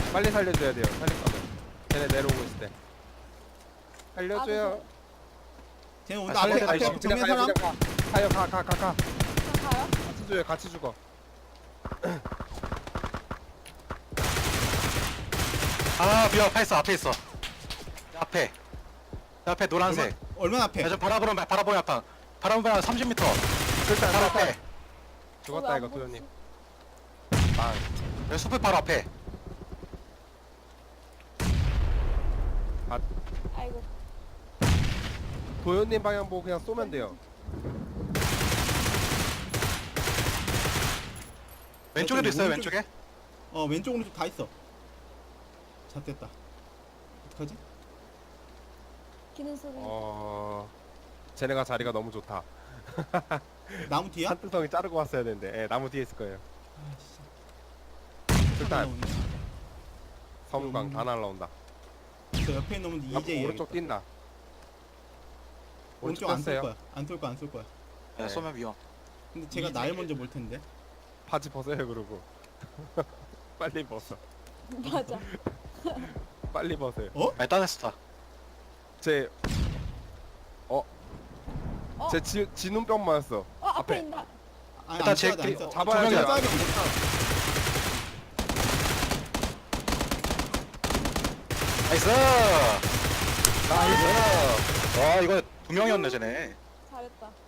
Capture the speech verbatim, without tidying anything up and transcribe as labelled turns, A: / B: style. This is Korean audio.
A: 빨리 살려줘야 돼요. 살릴 거면. 쟤네 내려오고 있을 때. 살려줘요.
B: 쟤는
A: 아,
B: 온다. 앞에
A: 살려줘.
B: 앞에
A: 그냥
B: 정면
A: 가요,
B: 사람.
A: 그냥 가. 가요, 가, 가, 가, 가.
C: 그냥 가요?
A: 같이 줘요, 같이 죽어.
D: 아 미안 파이스 앞에 있어. 내 앞에. 내 앞에 노란색.
B: 얼마, 얼마나 앞에?
D: 야저 바라보는 바라보는 약간 바라보면 삼십 미터.
A: 일단
D: 바로
A: 살았다.
D: 앞에.
A: 죽었다
C: 어, 왜안
A: 이거
C: 보이지?
A: 도현님. 아,
D: 여기 숲을 바로 앞에.
C: 아이고.
A: 도현님 방향 보고 그냥 쏘면 돼요.
D: 왼쪽에도 있어요
B: 오른쪽-
D: 왼쪽에.
B: 어 왼쪽 오른쪽 다 있어. 잣됐다. 어떡하지?
C: 기는 소리.
A: 어, 쟤네가 자리가 너무 좋다.
B: 나무 뒤야?
A: 한뜻성이 자르고 왔어야 되는데, 예, 나무 뒤에 있을 거예요.
B: 아 씨.
A: 일단
B: 나오네.
A: 섬광 다 날라온다.
B: 저 옆에 있는 놈은
A: 앞으로
B: 이제
A: 오른쪽 뛴다.
B: 오른쪽 안 쏠
A: 떴어요.
B: 거야. 안 쏠 거야. 안 쏠 거야.
D: 야,
A: 네.
D: 쏘면 위험.
B: 근데 제가
D: 이
B: 날
D: 새끼.
B: 먼저 몰 텐데.
A: 바지 벗어요 그러고. 빨리 벗어.
C: 맞아.
A: 빨리 벗어요.
B: 어?
D: 아니 딴 스타.
A: 제, 어,
C: 어?
A: 제 지, 지눈병 맞았어.
C: 어 앞에
A: 앞에.
C: 있다.
B: 아니
D: 일단
B: 안
D: 제
B: 쏴야 돼. 안
D: 그-
B: 쏴.
A: 잡아야지.
B: 아,
A: 안
B: 쏴야 돼.
D: 나이스. 나이스. 와 이거 두 명이었네 쟤네.
C: 잘했다.